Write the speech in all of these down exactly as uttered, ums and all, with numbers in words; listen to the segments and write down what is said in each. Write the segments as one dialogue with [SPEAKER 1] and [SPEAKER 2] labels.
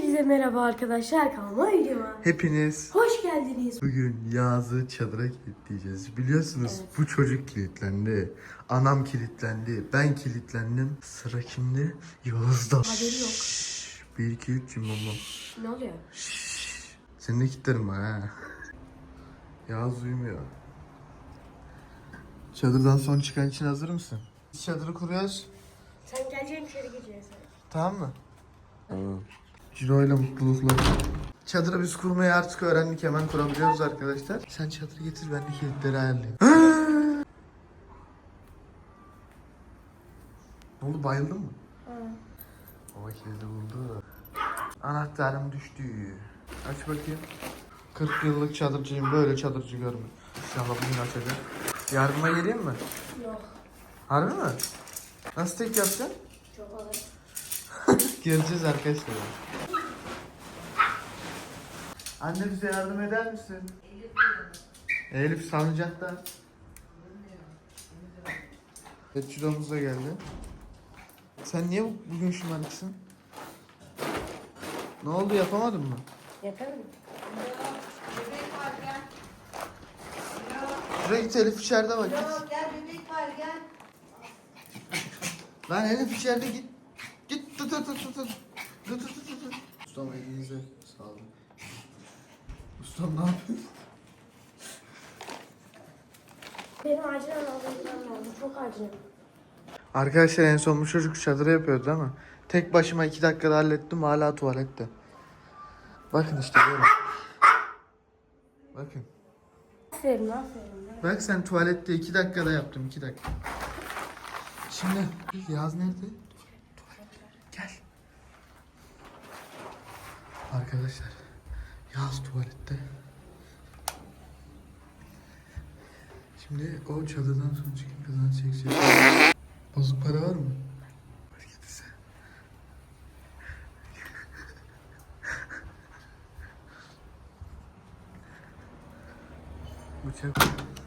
[SPEAKER 1] Hepinize merhaba arkadaşlar, kanalıma videoma
[SPEAKER 2] Hepiniz
[SPEAKER 1] hoş geldiniz.
[SPEAKER 2] bugün Yağız'ı çadıra kilitleyeceğiz. Biliyorsunuz
[SPEAKER 1] Evet.
[SPEAKER 2] bu çocuk kilitlendi. Anam kilitlendi. Ben kilitlendim. Sıra kimde? Yağız'da.
[SPEAKER 1] Haberi yok.
[SPEAKER 2] Şşş, bir iki üç cimbombo.
[SPEAKER 1] Ne oluyor?
[SPEAKER 2] Seni de kilitlerim ha. Yağız uyumuyor. Çadırdan son çıkan için hazır mısın? Biz çadırı kuruyoruz.
[SPEAKER 1] Sen geleceksin, içeri gireceğiz.
[SPEAKER 2] Tamam mı? Tamam. Ciro'yla mutluluklar. Çadırı biz kurmayı artık öğrendik. Hemen kurabiliyoruz arkadaşlar. Sen çadırı getir, ben de kilitleri ayarlayayım. Ne oldu, bayıldın mı?
[SPEAKER 1] Hı.
[SPEAKER 2] Baba kilidi buldu. Anahtarım düştü. Aç bakayım. kırk yıllık çadırcıyım, böyle çadırcı görmedim. İnşallah bugün açacak. Yardıma geleyim mi?
[SPEAKER 1] Yok.
[SPEAKER 2] Harbi mi? Nasıl tek yapacaksın?
[SPEAKER 1] Çok ağır.
[SPEAKER 2] Göreceğiz arkadaşlar. Anne bize yardım eder misin? Elif, Elif salıncakta. Evet, Ciro'muz da geldi. Sen niye bugün şımarıksın? Ne oldu, yapamadın mı?
[SPEAKER 1] Yaparım.
[SPEAKER 2] Şuraya git, Elif içeride bak, git.
[SPEAKER 3] Gel bebek var gel.
[SPEAKER 2] Lan Elif içeride, git. Git, tut tut tut tut tut. Tut tut tut tut. Ustam elinize sağlık. Ustam ne yapıyorsun?
[SPEAKER 1] Benim acilen almam lazım. Çok acil.
[SPEAKER 2] Arkadaşlar en son bu çocuk çadırı yapıyordu ama tek başıma iki dakikada hallettim, hala tuvalette. Bakın işte böyle. Bakın.
[SPEAKER 1] Aferin, aferin.
[SPEAKER 2] Bak sen tuvalette iki dakikada yaptım, iki dakika. Şimdi Yağız nerede? Tuvalet. Gel. Arkadaşlar Yağız tuvalette. Şimdi o çadırdan sonra çıkıp kazanç çekecek. Bozuk para var mı? Var, getirse. Bıçak.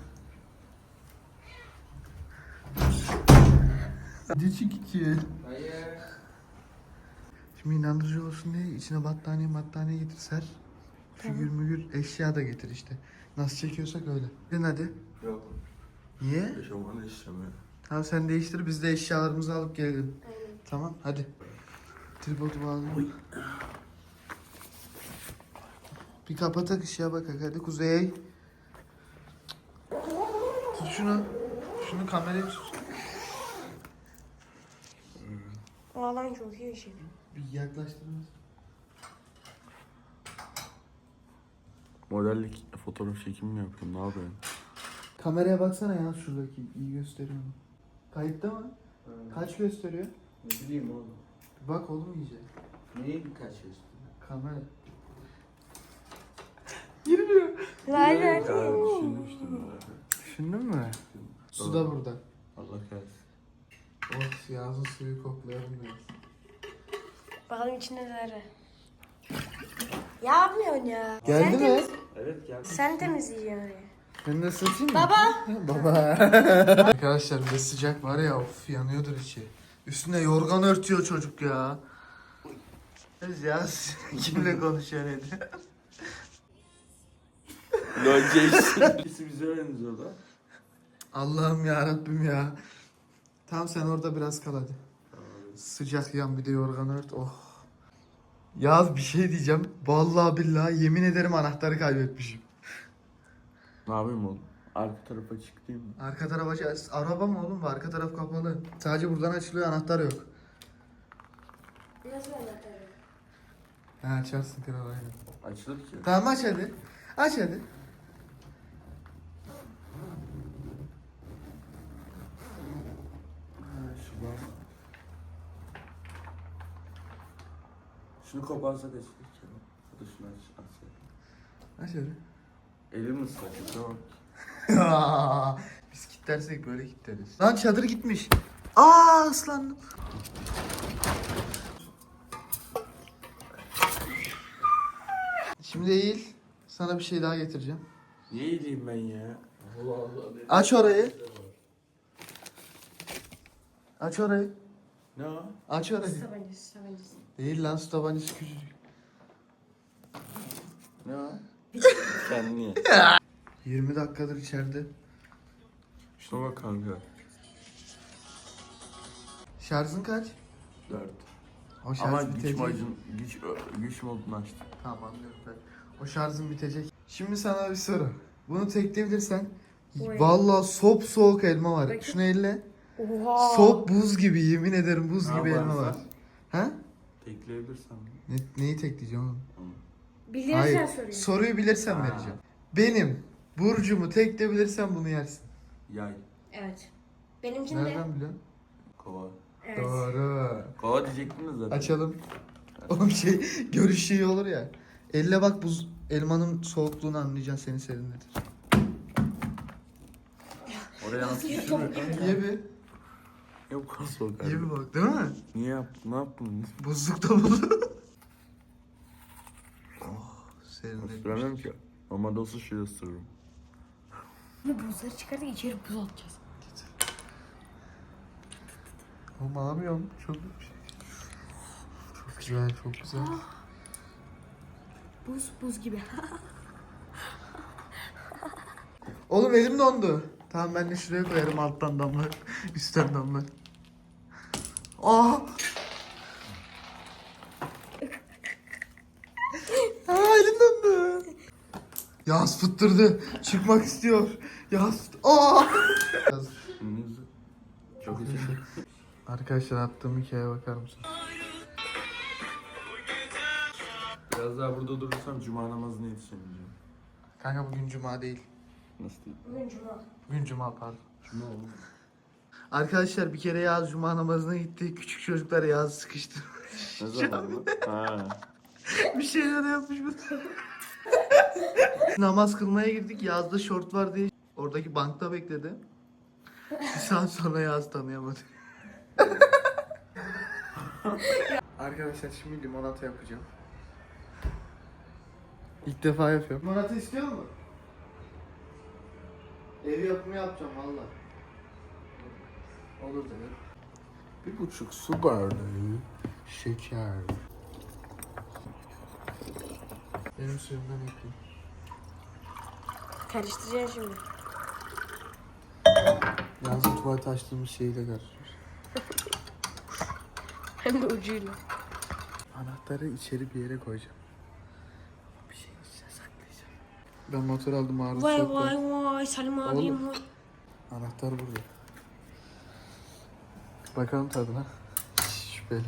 [SPEAKER 2] Hadi çık iki.
[SPEAKER 3] Hayır.
[SPEAKER 2] Şimdi inandırıcı olsun diye içine battaniye battaniye getir ser. Figür mügür eşya da getir işte. Nasıl çekiyorsak öyle. Gidin hadi.
[SPEAKER 3] Yok.
[SPEAKER 2] Niye?
[SPEAKER 3] Eşofmanı istemiyor.
[SPEAKER 2] Tamam sen değiştir, biz de eşyalarımızı alıp gelelim.
[SPEAKER 1] Aynen.
[SPEAKER 2] Tamam hadi. Tripodu bağlayalım. Bir kapatak ışığa bak hadi Kuzey. Tut şunu. Şunu kamerayı tut.
[SPEAKER 1] Ağlan çok iyi şey.
[SPEAKER 2] Bir yaklaştırmaz.
[SPEAKER 3] Modellik fotoğraf çekimi mi yapıyorsun? Ne yapıyorsun?
[SPEAKER 2] Kameraya baksana ya, şuradaki iyi gösteriyor mu? Kayıtta mı?
[SPEAKER 3] Hmm.
[SPEAKER 2] Kaç gösteriyor?
[SPEAKER 3] Ne bileyim oğlum.
[SPEAKER 2] Bir bak oğlum iyice.
[SPEAKER 3] Neyi birkaç gösteriyor?
[SPEAKER 2] Kamera. Girmiyor.
[SPEAKER 1] Lay lay.
[SPEAKER 3] Düşünmüştüm ya.
[SPEAKER 2] Düşündün mü? Su da burada.
[SPEAKER 3] Allah kahretsin.
[SPEAKER 2] Oh, Yağız'ın suyu koklayalım biraz.
[SPEAKER 1] Bakalım içinde neler. Yapmıyorsun ya.
[SPEAKER 2] Geldi
[SPEAKER 1] Sen
[SPEAKER 2] mi?
[SPEAKER 1] temiz-
[SPEAKER 3] Evet geldi.
[SPEAKER 1] Sen temizleyeceksin orayı.
[SPEAKER 2] Ben de ısıtayım mı?
[SPEAKER 1] Baba.
[SPEAKER 2] Baba. Arkadaşlar bir de sıcak var ya, of yanıyordur içi. Üstüne yorgan örtüyor çocuk ya. Biz ya kimle konuşuyor ne diyor?
[SPEAKER 3] Lol Jason. İkisi bize benziyor da.
[SPEAKER 2] Allah'ım ya Rabbim ya. Tamam sen orada biraz kal hadi. Sıcak yan, bir de yorgan ört. Oh. Yaz bir şey diyeceğim. Vallahi billahi yemin ederim anahtarı kaybetmişim.
[SPEAKER 3] Ne yapayım oğlum? Arka tarafa çıkayım mı?
[SPEAKER 2] Arka taraf aç. Araba mı oğlum bu? Arka taraf kapalı. Sadece buradan açılıyor, anahtar yok.
[SPEAKER 1] Nasıl anahtarı?
[SPEAKER 2] Ha, açarsın kral, aynen.
[SPEAKER 3] Açılır ki.
[SPEAKER 2] Tamam aç hadi. Aç hadi.
[SPEAKER 3] Ha, şu bak. Şunu koparsak açılır ki. Ya da şunu aç. aç.
[SPEAKER 2] Aç hadi.
[SPEAKER 3] Elim ıslak. Tamam.
[SPEAKER 2] Biz kilitlersek böyle kilitleriz. Lan çadır gitmiş. Aa, ıslandım. Şimdi eğil. Sana bir şey daha getireceğim.
[SPEAKER 3] Niye iyileyim ben ya? Allah Allah.
[SPEAKER 2] Aç orayı. Aç orayı.
[SPEAKER 3] Ne o?
[SPEAKER 2] Aç orayı.
[SPEAKER 1] Su tabancası, su tabancası.
[SPEAKER 2] Değil lan, su tabancası küçücük.
[SPEAKER 3] Ne o? Kendini ye.
[SPEAKER 2] yirmi dakikadır içeride.
[SPEAKER 3] Şuna bak kanka.
[SPEAKER 2] Şarjın kaç?
[SPEAKER 3] Dört.
[SPEAKER 2] O şarj
[SPEAKER 3] Ama güç
[SPEAKER 2] bitecek.
[SPEAKER 3] modun, güç, güç modunu açtım.
[SPEAKER 2] Tamam anlıyorum ben. O şarjın bitecek. Şimdi sana bir soru. Bunu tekleyebilirsen
[SPEAKER 1] Oy.
[SPEAKER 2] vallahi sop soğuk elma var.
[SPEAKER 1] Bakayım.
[SPEAKER 2] Şunu elle.
[SPEAKER 1] Oha.
[SPEAKER 2] Sop buz gibi, yemin ederim buz
[SPEAKER 3] Ne
[SPEAKER 2] gibi elma
[SPEAKER 3] yaparsan?
[SPEAKER 2] var. Ha?
[SPEAKER 3] Tekleyebilirsen.
[SPEAKER 2] Ne, neyi tekleyeceğim oğlum?
[SPEAKER 1] Bilirsen
[SPEAKER 2] Hayır.
[SPEAKER 1] soruyor.
[SPEAKER 2] Soruyu bilirsen
[SPEAKER 3] Ha.
[SPEAKER 2] vereceğim. Benim burcumu tekleyebilirsen bunu yersin.
[SPEAKER 3] Yay.
[SPEAKER 1] Evet. Benimkinde.
[SPEAKER 2] Nereden biliyorsun?
[SPEAKER 3] Kova.
[SPEAKER 1] Evet.
[SPEAKER 2] Doğru.
[SPEAKER 3] Kova diyecektin de zaten.
[SPEAKER 2] Açalım. Oğlum şey görüş şeyi olur ya. Elle bak buz elmanın soğukluğunu anlayacaksın, seni serinletir.
[SPEAKER 3] Oraya nasıl
[SPEAKER 1] Nasıl
[SPEAKER 3] düşürmüyor kanka?
[SPEAKER 2] Ye bir.
[SPEAKER 3] Ya bu kadar soğuk
[SPEAKER 2] Ye
[SPEAKER 3] abi.
[SPEAKER 2] bir bak, değil mi?
[SPEAKER 3] Niye yaptın? Ne yaptın?
[SPEAKER 2] Buzlukta buldu. Oh, serinlemiş.
[SPEAKER 3] Isıramıyorum ki. Normalde olsa şöyle ısırırım.
[SPEAKER 1] Bu buzları çıkardık içeri buz atacağız.
[SPEAKER 2] Oğlum alamıyorum. Çok çok güzel, çok güzel.
[SPEAKER 1] Buz buz gibi.
[SPEAKER 2] Oğlum elim dondu. Tamam ben de şuraya koyarım, alttan damla, üstten damla. Aa! Aa elim dondu. Yağız fıttırdı. Çıkmak istiyor. Yağız fıt- Aa!
[SPEAKER 3] Yüzü. Çok iyi.
[SPEAKER 2] Arkadaşlar attığım hikayeye bakar mısın?
[SPEAKER 3] Biraz daha burada durursam cuma namazına yetişemeyeceğim.
[SPEAKER 2] Kanka bugün cuma değil.
[SPEAKER 3] Nasıl değil?
[SPEAKER 1] Bugün cuma.
[SPEAKER 2] Bugün cuma pardon.
[SPEAKER 3] Cuma oğlum.
[SPEAKER 2] Arkadaşlar bir kere Yağız cuma namazına gitti. Küçük çocuklar Yağız'ı sıkıştırmış.
[SPEAKER 3] Ne zaman bu? Ha.
[SPEAKER 2] Bir şeyler yapmış bu. Namaz kılmaya girdik. Yağız'da şort var diye oradaki bankta bekledi. Bir saat sonra Yağız tanıyamadı. Arkadaşlar şimdi limonata yapacağım. İlk defa yapıyorum. Limonata istiyor musun? Ev yapımı yapacağım valla. Olur dedi.
[SPEAKER 3] Bir buçuk su bardağı.
[SPEAKER 2] Şeker. Benim suyumdan ekleyeyim.
[SPEAKER 1] Karıştıracaksın şimdi.
[SPEAKER 2] Yağız'ın tuvalet açtığımız şeyi de karıştırır.
[SPEAKER 1] Hem de ucuyla.
[SPEAKER 2] Anahtarı içeri bir yere koyacağım. Bir şeyin içine saklayacağım. Ben motor aldım, ağrı
[SPEAKER 1] Vay
[SPEAKER 2] çok
[SPEAKER 1] vay
[SPEAKER 2] var.
[SPEAKER 1] vay Salim
[SPEAKER 2] Oğlum.
[SPEAKER 1] abim vay.
[SPEAKER 2] Anahtar burada. Bakalım tadına. Şüpheli.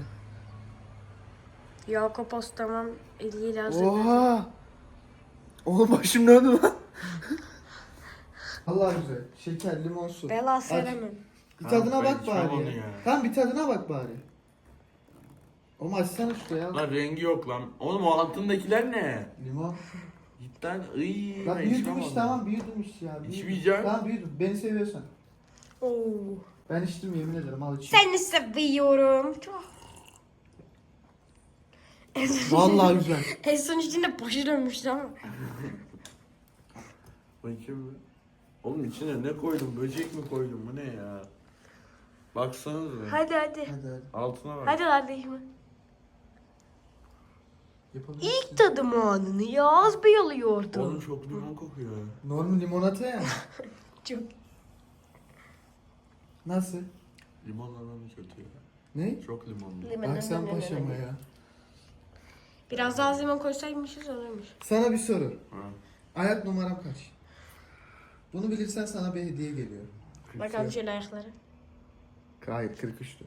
[SPEAKER 1] Yakup Ostamam eliyle hazır.
[SPEAKER 2] Oha! Oğlum başım döndü lan. Allah güzel. Şeker, limon, su.
[SPEAKER 1] Bela
[SPEAKER 2] Aç.
[SPEAKER 1] sevemem.
[SPEAKER 2] Bir
[SPEAKER 3] Ha,
[SPEAKER 2] tadına
[SPEAKER 3] ben
[SPEAKER 2] bak
[SPEAKER 3] içmem
[SPEAKER 2] bari
[SPEAKER 3] onu
[SPEAKER 2] ya.
[SPEAKER 3] ya.
[SPEAKER 2] Tamam bir tadına bak bari. Oğlum açsana şuraya.
[SPEAKER 3] Lan rengi yok lan. Oğlum o altındakiler ne?
[SPEAKER 2] Limon.
[SPEAKER 3] Cidden ıyyy.
[SPEAKER 2] Lan
[SPEAKER 3] ben
[SPEAKER 2] büyüdüm
[SPEAKER 3] içmem
[SPEAKER 2] işte,
[SPEAKER 3] onu.
[SPEAKER 2] tamam büyüdüm işte ya. büyüdüm.
[SPEAKER 3] İçmeyeceğim.
[SPEAKER 2] Tamam büyüdüm. Beni seviyorsan.
[SPEAKER 1] Oo.
[SPEAKER 2] Ben içtim, yemin ederim, al içeyim.
[SPEAKER 1] Seni seviyorum. Çok. En son-
[SPEAKER 2] Vallahi güzel.
[SPEAKER 1] En son içinde başı dönmüştü ama.
[SPEAKER 3] Bakayım bir. Oğlum içine ne koydum? Böcek mi koydum? Bu ne ya? Baksanıza.
[SPEAKER 1] Hadi hadi.
[SPEAKER 2] Hadi hadi.
[SPEAKER 3] Altına bak.
[SPEAKER 1] Hadi kardeşim.
[SPEAKER 2] Yapabilirsin.
[SPEAKER 1] İlk tadım anını Yağız Bey alıyordu.
[SPEAKER 3] Oğlum çok limon kokuyor.
[SPEAKER 2] Normal limonata ya.
[SPEAKER 1] Çok.
[SPEAKER 2] Nasıl?
[SPEAKER 3] Limonla lan kötü ya.
[SPEAKER 2] Ne?
[SPEAKER 3] Çok limonlu.
[SPEAKER 1] Limon,
[SPEAKER 2] Bak sen
[SPEAKER 1] limon, limon,
[SPEAKER 2] paşama
[SPEAKER 1] limon.
[SPEAKER 2] ya.
[SPEAKER 1] Biraz daha limon koysaymışız olurmuş.
[SPEAKER 2] Sana bir soru.
[SPEAKER 3] Ha.
[SPEAKER 2] Ayak numaram kaç? Bunu bilirsen sana bir hediye geliyor.
[SPEAKER 1] Bakalım şöyle ayakları.
[SPEAKER 2] Hayır, kırk üçtü.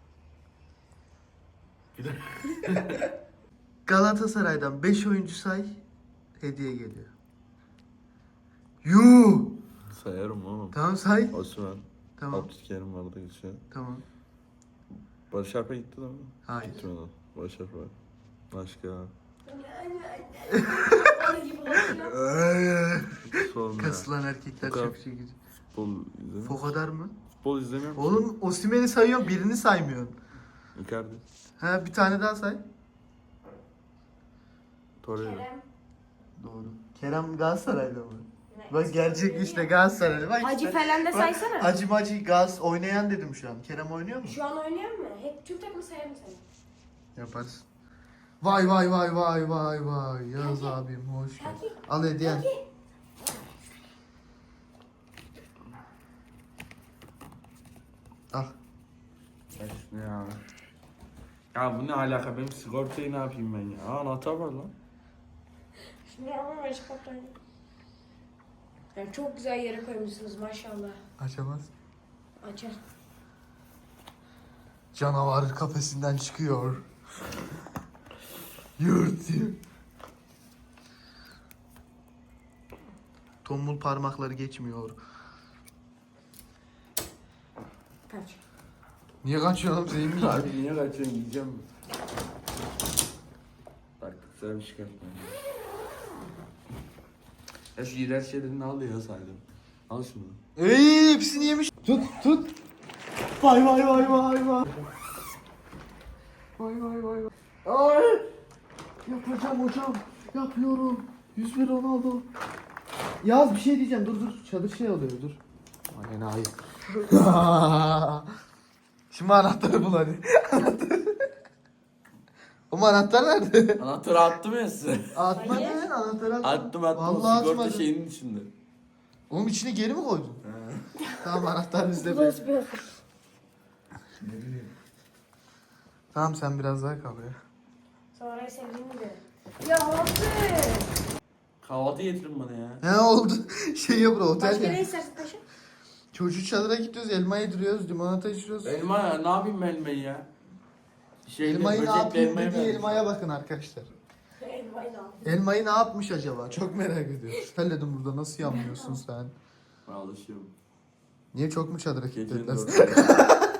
[SPEAKER 3] Bir de
[SPEAKER 2] Galatasaray'dan beş oyuncu say, hediye geliyor. Yuu!
[SPEAKER 3] sayarım oğlum.
[SPEAKER 2] Tamam say.
[SPEAKER 3] Osman.
[SPEAKER 2] Tamam.
[SPEAKER 3] Abdülkerim vardı geçiyor.
[SPEAKER 2] Tamam.
[SPEAKER 3] Barış Alper gitti değil mi?
[SPEAKER 2] Hayır.
[SPEAKER 3] Gitmedi. Barış Alper. Başka. Sonra.
[SPEAKER 2] Kasılan erkekler
[SPEAKER 3] Foka-
[SPEAKER 2] çok şey güzel.
[SPEAKER 3] Futbol izlemiyor.
[SPEAKER 2] Fokadar mı?
[SPEAKER 3] Futbol izlemiyor musun?
[SPEAKER 2] Oğlum Osimhen'i sayıyorsun, birini saymıyorsun.
[SPEAKER 3] Icardi.
[SPEAKER 2] Ha bir tane daha say.
[SPEAKER 3] Torreira.
[SPEAKER 2] Doğru. Kerem Galatasaray'da mı? Bak gerçek işte Galatasaraylı. Bak
[SPEAKER 1] Hacı
[SPEAKER 2] işte.
[SPEAKER 1] falan da
[SPEAKER 2] Bak,
[SPEAKER 1] saysana.
[SPEAKER 2] Hacı Macı Gaz oynayan dedim şu an. Kerem oynuyor mu?
[SPEAKER 1] Şu an oynayan mı? Hep Türk takımı sayar mı seni?
[SPEAKER 2] Yaparız. Vay vay vay vay vay vay. Yağız abim hoş geldin. Al hediyen. Al.
[SPEAKER 3] Ya şunu ya. Ya bu ne alaka? Benim sigortayı ne yapayım ben ya? Aa, anahtar var lan.
[SPEAKER 1] Şimdi ama başka kaptan. Yani çok güzel yere koymuşsunuz maşallah.
[SPEAKER 2] Açamaz.
[SPEAKER 1] Açar.
[SPEAKER 2] Canavar kafesinden çıkıyor. Yurt yurt. Tombul parmakları geçmiyor.
[SPEAKER 1] Kaç.
[SPEAKER 2] Niye kaçıyorsun oğlum, senin mi?
[SPEAKER 3] Abi niye kaçıyorsun? Yiyeceğim mi? Bak güzel bir şey yapma. Ya şu iğrenç şeylerini al ya saydım. Al şunu.
[SPEAKER 2] Ey, hepsini yemiş. Tut tut. Vay vay vay vay vay. Vay vay vay vay. Ay. Yapacağım hocam. Yapıyorum. yüz bir Ronaldo. Yaz bir şey diyeceğim. Dur dur. Çadır şey oluyor dur. Aynen hayır. Şimdi anahtarı bul hadi. Anahtarı. O anahtar nerede?
[SPEAKER 3] Anahtarı attım ya size.
[SPEAKER 2] Atmadın anahtarı atmadın.
[SPEAKER 3] Attım attım.
[SPEAKER 2] Vallahi
[SPEAKER 3] O sigorta
[SPEAKER 2] atmadın.
[SPEAKER 3] şeyinin içinde.
[SPEAKER 2] Oğlum içine geri mi koydun?
[SPEAKER 3] He.
[SPEAKER 2] Tamam anahtar bizde.
[SPEAKER 1] Bu
[SPEAKER 2] be.
[SPEAKER 1] nasıl bir hafif?
[SPEAKER 3] Ne bileyim.
[SPEAKER 2] Tamam sen biraz daha kal ya.
[SPEAKER 1] Sonra sevdiğimi de. Ya hafif.
[SPEAKER 3] Kahvaltı getirin bana ya.
[SPEAKER 2] Ne oldu? Şey yapıyor otel
[SPEAKER 1] Başka
[SPEAKER 2] ya.
[SPEAKER 1] ne istersin paşa?
[SPEAKER 2] Çocuk çadıra gidiyoruz, elma yediriyoruz, limonata içiyoruz.
[SPEAKER 3] Elma ya, ne yapayım ben elmayı ya? Şeyle,
[SPEAKER 2] Elmayı ne
[SPEAKER 3] böcekle
[SPEAKER 2] yapayım
[SPEAKER 3] elmayı
[SPEAKER 2] dediği
[SPEAKER 3] vermiş.
[SPEAKER 2] elmaya bakın arkadaşlar.
[SPEAKER 1] Elmayı da aldım.
[SPEAKER 2] Elmayı ne yapmış acaba? Çok merak ediyoruz. Terledim burada, nasıl yanmıyorsun sen?
[SPEAKER 3] Ben alışıyorum.
[SPEAKER 2] Niye çok mu çadıra
[SPEAKER 3] Gecenin
[SPEAKER 2] kilitlediler?
[SPEAKER 3] dörtte.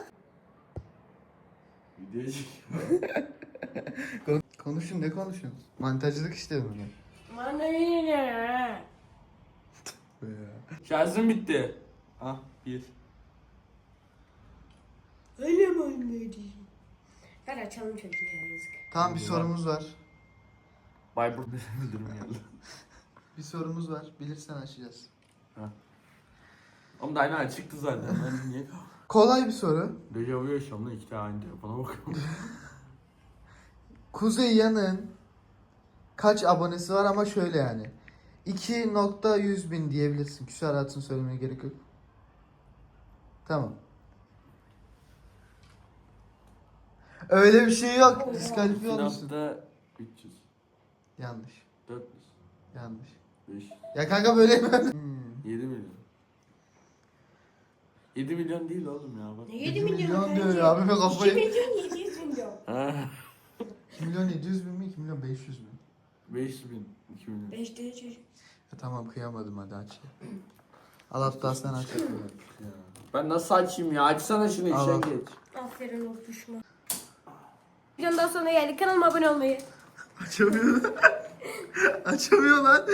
[SPEAKER 3] Video çekiyor.
[SPEAKER 2] Konuşun, ne konuşuyorsun? Mantajcılık işte bunu.
[SPEAKER 1] Bana yine.
[SPEAKER 3] Şarjım bitti. Ah bir.
[SPEAKER 1] Öyle mi anneciğim? Ver açalım çocuğu ya yazık.
[SPEAKER 2] Tamam bir sorumuz var.
[SPEAKER 3] Bayburt müdürüm geldi.
[SPEAKER 2] Bir sorumuz var. Bilirsen açacağız.
[SPEAKER 3] Ama da aynen çıktı zaten. Ben niye kaldım?
[SPEAKER 2] Kolay bir soru.
[SPEAKER 3] Dejavu yaşıyorum lan, iki tane aynı telefona bakıyorum.
[SPEAKER 2] Kuzey Yan'ın kaç abonesi var ama şöyle yani. iki nokta yüz bin diyebilirsin. Küsuratını söylemeye gerek yok. Tamam. Öyle bir şey yok. Diskalifiye olmuşsun.
[SPEAKER 3] Sinap'ta üç yüz.
[SPEAKER 2] Yanlış.
[SPEAKER 3] dört yüz.
[SPEAKER 2] Yanlış.
[SPEAKER 3] beş.
[SPEAKER 2] Ya kanka böyle mi? Hmm.
[SPEAKER 3] yedi milyon. yedi milyon değil oğlum ya bak.
[SPEAKER 1] Ne yedi
[SPEAKER 2] yedi
[SPEAKER 1] milyon
[SPEAKER 2] milyon diyor
[SPEAKER 1] kanki?
[SPEAKER 2] ya, abime
[SPEAKER 1] iki
[SPEAKER 2] kafayı.
[SPEAKER 1] milyon yedi yüz milyon.
[SPEAKER 3] Ha.
[SPEAKER 2] iki milyon yedi yüz bin mi? iki milyon beş yüz bin.
[SPEAKER 3] beş bin. iki milyon.
[SPEAKER 1] Beş tane çocuk.
[SPEAKER 2] Ya tamam kıyamadım, hadi aç. Al hatta sen aç.
[SPEAKER 3] Ya. Ben nasıl açayım ya? Açsana şunu,
[SPEAKER 2] Al, al.
[SPEAKER 3] işe geç.
[SPEAKER 1] Aferin ortuşma. Videonun daha sonuna geldik. Kanalıma abone olmayı.
[SPEAKER 2] Açamıyor. Açamıyor lan.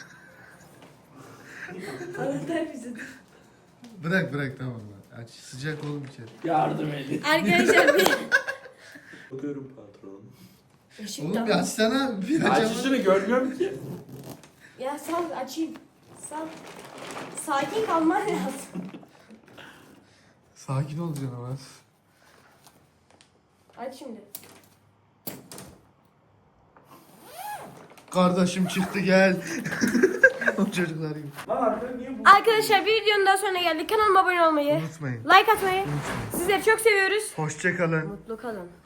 [SPEAKER 1] Anahtar bize.
[SPEAKER 2] Bırak bırak tamam lan. Aç. Sıcak oğlum içeri.
[SPEAKER 3] Yardım edin.
[SPEAKER 1] Arkadaşlar bir...
[SPEAKER 3] Bakıyorum patron.
[SPEAKER 1] Işık
[SPEAKER 2] Oğlum
[SPEAKER 1] da-
[SPEAKER 2] bir açsana. Bir
[SPEAKER 3] Aç
[SPEAKER 2] açamıyor.
[SPEAKER 3] şunu, görmüyorum ki.
[SPEAKER 1] Ya sal açayım. Sal. Sakin kalman lazım.
[SPEAKER 2] Sakin ol canım.
[SPEAKER 1] Aç şimdi.
[SPEAKER 2] Kardeşim çıktı gel. O çocuklar gibi.
[SPEAKER 3] Lan arkada niye bu?
[SPEAKER 1] Arkadaşlar bir videonun daha sonuna geldik. Kanalıma abone olmayı,
[SPEAKER 2] Unutmayın.
[SPEAKER 1] like atmayı.
[SPEAKER 2] Unutmayın.
[SPEAKER 1] Sizleri çok seviyoruz.
[SPEAKER 2] Hoşçakalın.
[SPEAKER 1] Mutlu kalın.